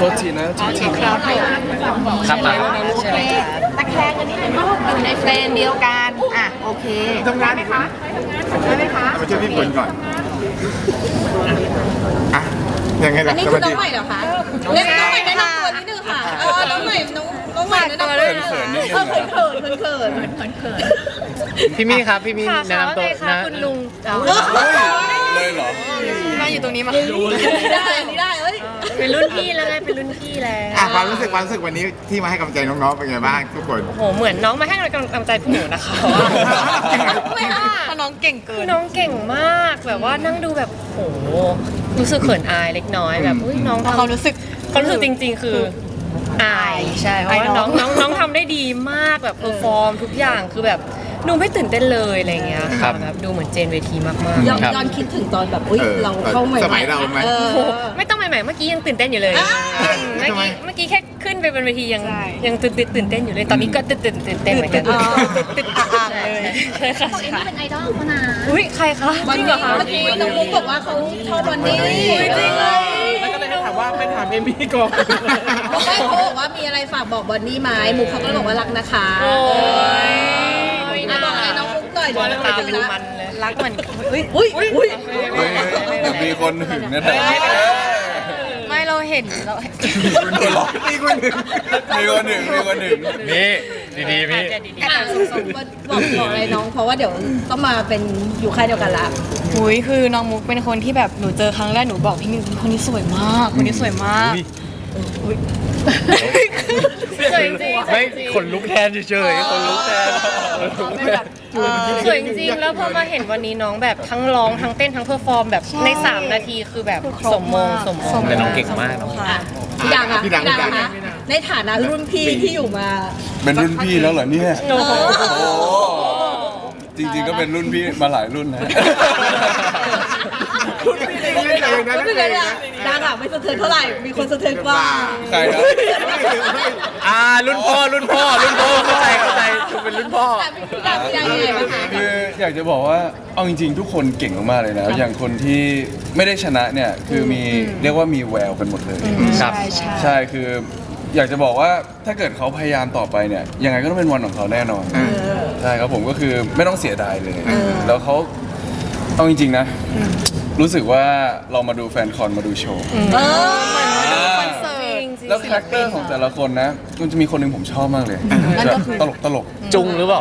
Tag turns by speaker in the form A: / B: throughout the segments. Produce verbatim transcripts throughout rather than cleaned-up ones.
A: ษทีนะโทษที
B: ครับครับมา
C: ใช่ไหมคะตะแคงกันนิดนึงอยู่ในเฟรมเดียวกันอ่ะโอเคทำงานไหมคะได้ไหมคะ
D: มาช่วยพี่ฝนก่อนอ่ะยังไงล่ะ
E: อันนี้คือน้องใหม่เหรอคะเรียกน้องใหม่แนะนำตัวนิดนึงค่ะเออน้องใหม่น้องน้องใหม่แนะนำตัวนิดนึงเออเขินเขินเขินเขินเขินเขิน
B: พี่มี่ครับพี่มี่แนะนำตัวนะ
C: คุณลุง
A: เลยเหรอ
C: มาอยู่ตรงนี้มา
E: ดูเลยได้นี่ได้เอ้ย
C: เป็นรุ่นพี่แล้วไงเป็นรุ่นพี่แล้ว
D: อ่ะความรู้สึกความรู้สึกวันนี้ที่มาให้กำลังใจน้องๆเป็นไงบ้างทุกคน
C: โอ้โหเหมือนน้องมาให้กำลังใจพวกหนูนะคะไม่ค่ะเพราะน้องเก่งเกินน้องเก่งมากแบบว่านั่งดูแบบโอ้โหรู้สึกเขินอายเล็กน้อยแบบอุ้ยน้องเขารู้สึกเขารู้สึกจริงๆคืออายใช่เพราะว่าน้องน้องน้องทำได้ดีมากแบบเพอร์ฟอร์มทุกอย่างคือแบบดูไม่ตื่นเต้นเลยอะไรเงี้ยค่ะแบบดูเหมือนเจนเวทีมากๆ
E: ย้อนย้อนคิดถึงตอนแบบอุ้ยเราเข้าใหม่
D: สมัยเราไหม
C: ไม่ต้องใหม่ๆเมื่อกี้ยังตื่นเต้นอยู่เลยเมื่อกี้เมื่อกี้แค่ขึ้นไปบนเวทียังยังตื่นตื่นเต้นอยู่เลยตอนนี้ก็ตื่นตื่นตื่นเต้นเหมือนกันตื่นอ่างเลยใช่ค่ะ
E: คนนี้เป็นไอดอลเขานะ
C: อุ้ยใครคะ
E: จริงเหรอคะเมื่อกี้น้องมุกบอกว่าเขาชอบวันนี้
C: จริงเลย
A: แล้วก็เลยถามว่าไปถามเอมี่ก่อน
E: ไม่เขาบอกว่ามีอะไรฝากบอกบอนนี่ไหมมุกเขาก็เลยบอกว่ารักนะคะ
C: โอ้ย
E: น่าบอกอะไรน้องมุกหน่อยเดี๋ยว
C: ตาเป็นมันเลยรักเหมือนอุ้ย
E: อุ้ยอุ้ย
A: มีคนหึงนะแต่
C: ไม่เราเห็นเรา
D: คุณหัวเราะมีคนหนึ่ง
A: มีคนหนึ่งมีคนหนึ่ง
B: นี่ดีๆพี่
E: บอกบอกอะไรน้องเพราะว่าเดี๋ยวต้องมาเป็นอยู่ค่ายเดียวกันละ
C: อุ้ยคือน้องมุกเป็นคนที่แบบหนูเจอครั้งแรกหนูบอกพี่มิวคนนี้สวยมากคนนี้สวยมากสวยจริง
B: ไม่ขนลุกแทนเฉยๆขนลุกแทน
C: สวยจริงแล้วพอมาเห็นวันนี้น้องแบบทั้งร้องทั้งเต้นทั้งเพอร์ฟอร์มแบบในสามนาทีคือแบบสมมงสมมง
B: แต่น้องเก่งมากน้อง
E: พี่ดังอะพี่ดังนะในฐานะรุ่นพี่ที่อยู่มา
A: เป็นรุ่นพี่แล้วเหรอเนี่ยจริงๆก็เป็นรุ่นพี่มาหลายรุ่นนะ
D: รุ่นพี่เองเลยนะ
E: รุ่นพี่เลยดังอะไม่สะเทือนเท่าไหร่มีคนสะเทือนกว่า
A: ใครครับ
B: อ่ารุ่นพ่อรุ่นพ่อรุ่นพ่อเข้าใจเข้าใจเป็นรุ่นพ่อ
E: พี่ดังพี่ดังยังไงบ้างคะ
A: คืออยากจะบอกว่าเอาจริงๆทุกคนเก่งมากๆเลยนะอย่างคนที่ไม่ได้ชนะเนี่ยคือมีเรียกว่ามีแววกันหมดเลย
B: ครับ
A: ใช่คืออยากจะบอกว่าถ้าเกิดเขาพยายามต่อไปเนี่ยยังไงก็ต้องเป็นวันของเขาแน่นอนใช่ครับผมก็คือไม่ต้องเสียดายเลยแล้วเขาเอาจริงๆนะรู้สึกว่าเรามาดูแฟนคอนมาดูโชว์แล้วคาแรคเตอร์ของแต่ละคนนะมันจะมีคนหนึ่งผมชอบมากเลยแบบตลกตลก
B: จุงหรือเปล่า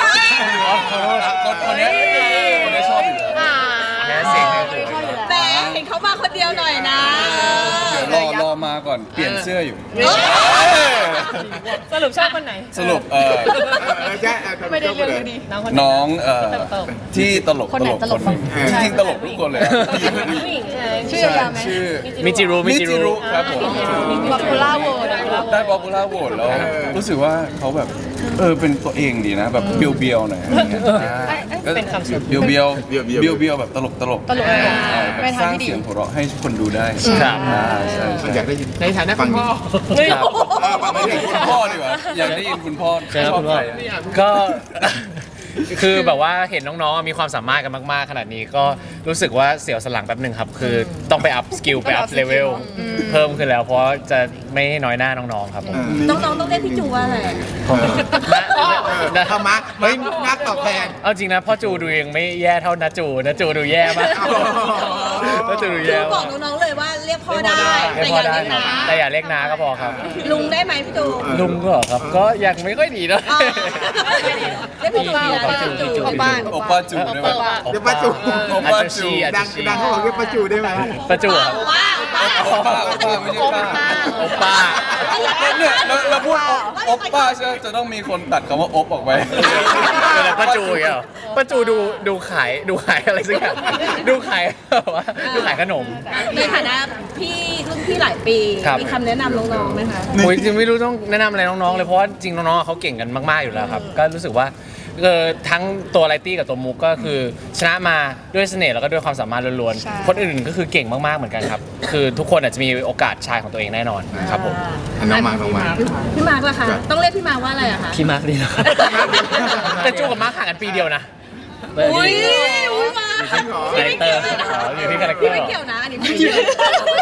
A: คนนี้คนนี้ชอบอยู่แล้ว
B: แพ้เสียงเลย
E: แต่เห็นเขามาคนเดียวหน่อยนะ
A: เดี๋ยวรอรอมาก่อนเปลี่ยนเสื้ออยู่
C: สรุปชอบคนไหน
A: สรุปเออ
C: ไม่ได้เรื่องดี
A: น้องเอ่อที่ตลกตลกคนจริงๆตลกทุกคนเลย
C: ชื่อยาวไหม
A: ชื่อ
B: มิจิรุ
A: มิจิรุครับผม
C: ป๊อปปูล่าโหวต
A: ได้ป๊อปปูล่าโหวตแล้วรู้สึกว่าเขาแบบเออเป็นตัวเองดีนะแบบเบียวเบียวหน่อย
C: เป็นคำสุด
A: เบียวเบียวเบียวเบียวแบบตลกตลก
C: ตลก
A: สร้างเสียงหัวเราะให้คนดูได้
B: ครับ
A: ใช่
D: อยากได้ยิน
B: ในฐานะคุณพ่อ
A: ไม่ใช่คุณพ่อดีกว่าอยากได้ยินคุณพ่อ
B: ชอบใครก็คือแบบว่าเห็นน้องๆมีความสามารถกันมากๆขนาดนี้ก็รู้สึกว่าเสียวสลังแป๊บหนึ่งครับคือต้องไปอัพสกิลไปอัพเลเวลเพิ่มขึ้นแล้วเพราะจะไม่น้อยหน้าน้องๆครับผม
E: น้องๆต้องเรียกพี่จูว่าอะไร
D: ทำมาไม่นักตอบแทน
B: เอาจริงนะพ่อจูดูยังไม่แย่เท่านาจูนาจูดูแย่มากนาจูดูแย่
E: บอกน้องๆเลยว่าเรียกพ่อได้แต่อย่าเรียกน้า
B: แต่อย่าเรียกน้าก็พอครับ
E: ลุงได้ไหมพี่จู
B: ลุงก็ครับก็ยังไม่ค่อยดีนะ
E: เรียกพี่จู
C: โอป้า
A: โอป้าจูได้ไหม
D: เรียกป้าจู
A: โอป้าจู
D: ดังดังเขาบอกเรียกป้าจูได้ไหม
B: ป้าจูครับ
A: โอป้าโอป้าไม่ใช่ป้า
B: โอป้า
A: เนี่ยเราพูดโอป้าใช่จะต้องมีคนตัดคำว่าโอปออกไป
B: แล้วป้าจูอย่างเงี้ยป้าจูดูดูขายดูขายอะไรสักอย่างดูขายว่าดูขายขนม
E: ในฐานะพี่รุ่นพี่หลายปีมีคำแนะนำน้องๆไหมคะ
B: โอ้ยจริงไม่รู้ต้องแนะนำอะไรน้องๆเลยเพราะว่าจริงน้องๆเขาเก่งกันมากๆอยู่แล้วครับก็รู้สึกว่าทั้งตัวไลตี้กับตัวมุกก็คือชนะมาด้วยเสน่ห์แล้วก็ด้วยความสามารถล้วนๆคนอื่นก็คือเก่งมากๆเหมือนกันครับคือทุกคนอาจจะมีโอกาสชายของตัวเองแน่นอนครับผม
D: น้องมาน้องมา
E: พี่มาร์คล่ะคะต้องเรียกพี่มาร์คว่าอะไรอะคะ
B: พี่มาร์คดีนะครับแต่จูกับมาร์คห่างกันปีเดียวนะ
E: อุ้ยอุ้ยมา
B: คาแรคเตอร์อยู่ที่คาแรคเตอร์
E: ไม่เกี่ยวนะอันนี้พี่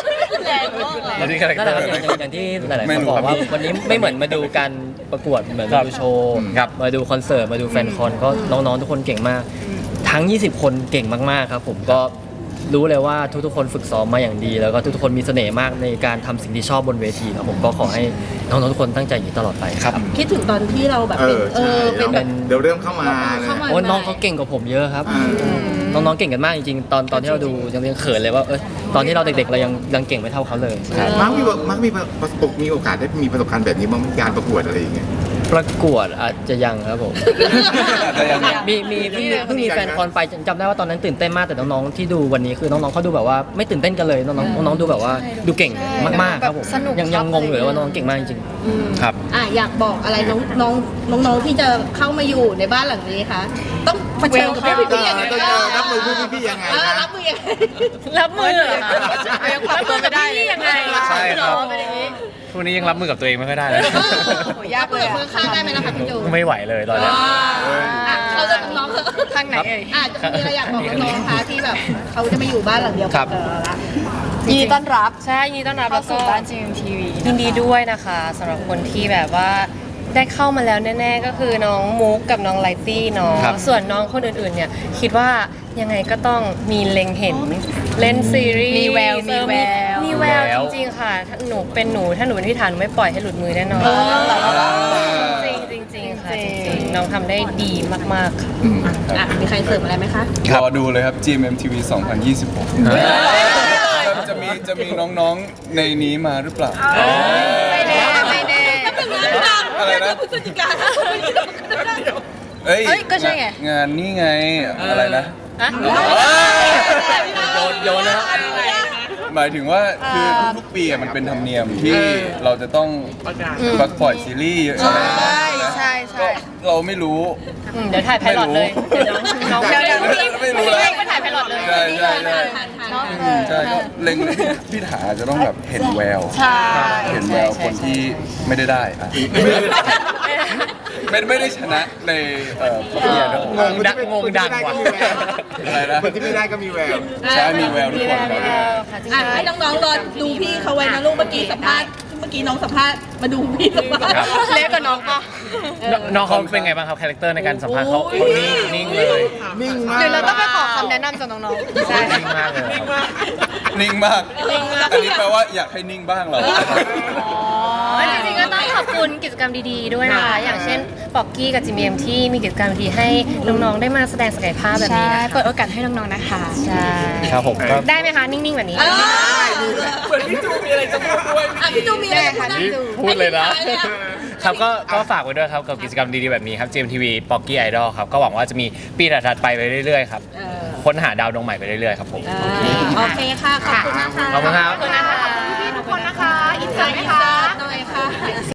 E: แรงมาก
B: แล้วที่คาแรค
F: นั่น
B: เต
F: แห
B: อ
F: ละ
B: ร์
F: ครับอย่างอย่างอย่างที่หลายๆ
A: ไม่
F: คน
A: รู้
F: บอกว่า
A: ครับ
F: วันนี้ไม่เหมือนมาดูการประกวดเหมือน
B: ครั
F: มา
B: บ
F: ดูโชว์
B: ครับ
F: มาดูคอนเสิร์ตมาดูแฟนคอนก็น้องๆทุกคนเก่งมาก ทั้ง ยี่สิบ คนเก่งมากๆครับผมก็รู้เลยว่าทุกๆคนฝึกซ้อมมาอย่างดี แล้วก็ทุกๆคนมีเสน่ห์มากในการทำสิ่งที่ชอบบนเวทีครับผมก็ขอให้น้องๆทุกคนตั้งใจอย่างนี้ตลอดไปครับ
E: คิดถึงตอนที่เราแบบ
D: เอ
E: เป็น
D: อ
E: เอ
D: ใช่
E: อเป็นแบบ
D: เดี๋ยวเริ่มเข้ามาเลย
E: เข้ามา
F: โอ้ยน้องเขาเก่งกว่าผมเยอะครับ น้องๆเก่งกันมากจริงๆ ตอนตอนที่เราดูยังยังเขินเลยว่าเออตอนที่เราเด็กๆเรายังยังเก่งไม่เท่าเขาเลย
D: มักมีมักมีประสบมีโอกาสได้มีประสบการณ์แบบนี้บ้างไหมการประกวดอะไรอย่างเงี้ย
F: ประกวดอาจจะยังครับผม
A: แต่ยัง
F: มีมีเพิ่งเพิ่งมีแฟนคอนไปจำได้ว่าตอนนั้นตื่นเต้นมากแต่น้องๆที่ดูวันนี้คือน้องๆเขาดูแบบว่าไม่ตื่นเต้นกันเลยน้องๆน้องๆดูแบบว่าดูเก่งมากๆครับผม
C: สนุก
F: ยังยังงงอยู่เลยว่าน้องเก่งมากจริง
B: ครับ
E: อ่ะอยากบอกอะไรน้องน้องน้องน้องที่จะเข้ามาอยู่ในบ้านหลังนี้คะต้องเผชิญกับพี่พี่ยังไง
D: ต้องเจอรับมือพี่พี่ยังไง
E: เออ
D: นะ
E: รับมือยังไง
C: รับมือเหรอคะยังปรับตัวไม่ได้เลยยังไง
B: ใช่ครับ
C: หอเป็นอย่างนี้
B: ทุกวันนี้ยังรับมือกับตัวเองไม่ค่อยได้เลย
E: โหยากเลยมือข้างได้ไหมล่ะคะพี่จู
B: ไม่ไหวเลยตอนเนี้ย
E: อ่ะเราจะน้อง
C: ทางไหนเอ่ย
E: อ่ะจะมีอะไรอยากบอกน้องๆคะที่แบบเขาจะมาอยู่บ้านหลังเดียว
B: ครั
E: กับ เราละ
C: ยินดีต้อนรับใช่ยินดีต้อนรับ
G: เข้า
C: แล้ว
G: สู่
C: ก็
G: บ้าน จี เอ็ม ที วี
C: ยินดีด้วยนะคะสำหรับคนที่แบบว่าได้เข้ามาแล้วแน่ๆก็คือน้องมุกกับน้องไลตี้เนาะ
B: ครับ
C: ส่วนน้องคนอื่นๆเนี่ยคิดว่ายังไงก็ต้องมีเล็งเห็นเล่นซีรีส์
G: มีแววมีแวว
C: มีแววจริงๆค่ะถ้าหนูเป็นหนูถ้าหนูเป็นพี่ฐานหนูไม่ปล่อยให้หลุดมือแน่นอนจริงๆจริงๆค่ะจริงๆน้องทำได้ดีมากๆค่ะ
E: อ่ะมีใครเสริมอะไรไหมคะ
A: รอดูเลยครับ จี เอ็ม ที วี สองพันยี่สิบหกจะมีจะมีน้องๆในนี้มาหรือเปล่า
C: ไม่แน่ไม่แน่
A: อะไรนะ
E: พฤศจิกา
A: เอ้ย
C: เอ้ยก็ใช่ไง
A: งานนี่ไงอะไรนะ
C: อะ
F: โยนโยนนะ
A: หมายถึงว่าคือทุกๆปีอะมันเป็นธรรมเนียมที่เราจะต้องประปล่อยซีรีส์อะไรอย่างเงี้ยนะ
C: ใช่ใช่
A: ก็เราไม่รู้
C: อืมเดี๋ยวถ่ายไพลอตเลยเดี๋ยวน้อง
A: ไม่
C: เดี๋ยว
A: รู้
C: เดี๋ยว
A: ไม่รู้แล้ว
C: ไปถ่ายไพลอตเลย
A: ใช่ใช่ใช่
E: ทานทาน
C: เนาะ
A: อืมใช่ก็เล็งพี่ถาจะต้องแบบเห็นแวว
C: ใช่
A: เห็นแววคนที่ไม่ได้ได้อะไม่ไม่ได้ชนะในเอ่อประกวดนะ
B: งงดังงงดังว่ะ
A: อะไรนะ
D: คนที่ไม่ได้ก็มีแวว
A: ใช่มีแววทุกคนครับ
C: ค่ะจริง
E: อ่ะให้น้องๆรอดูพี่เขาไว้นะลูกเมื่อกี้สัมภาษณ์เมื่อกี้น้องสัมภาษณ์มาดูพี่สัมภาษณ์
B: ครับ
C: เล็กกว่าน้องปะ
B: น้องน้องเขาเป็นไงบ้างครับคาแรคเตอร์ในการสัมภาษณ์เขาเขานิ่งนิ่งเลย
D: นิ่งมาก
C: เดี๋ยวเราต้องไปขอคำแนะนำจากน้องๆใช่
B: นิ่งมากเลยครับ
A: นิ่งมาก อันนี้แปลว่าอยากให้นิ่งบ้างเหรอ
C: จริงๆก็ต้องขอบคุณกิจกรรมดีๆด้วยนะคะ อย่างเช่นปอกกี้กับจิมเอ็มที่มีกิจกรรมดีๆให้น้องๆได้มาแสดงศักยภาพแบบ
G: ใช่
C: นี้นะคะ
G: เปิดโอกาสให้น้องๆนะคะ
C: ใช่
B: ครับผมก็
C: ได้ไหมคะ นิ่งๆแบบนี้
E: เหมือนพี่จูมีอะไรจะพูดด้วยอ่ะพี่จูมีอะไรจะพูดนะ
B: พูดเลยนะ
E: อั
B: ครับก็ก็ฝากไว้ด้วยครับกับกิจกรรมดีๆแบบนี้ครับ จี เอ็ม ที วี p o c k y Idol ครับก็หวังว่าจะมีปีถัดๆไปไปเรื่อยๆครับ
E: เออ
B: ค้นหาดาวดวงใหม่ไปเรื่อยๆครับผม
E: เออโอเคค่ะ ขอบคุณนะคะ
B: ขอบคุณครับ
C: ขอบคุณนะคะ
E: พี่ๆทุกคนนะคะ อินเสิร์ตไหมคะหน่อยค่ะ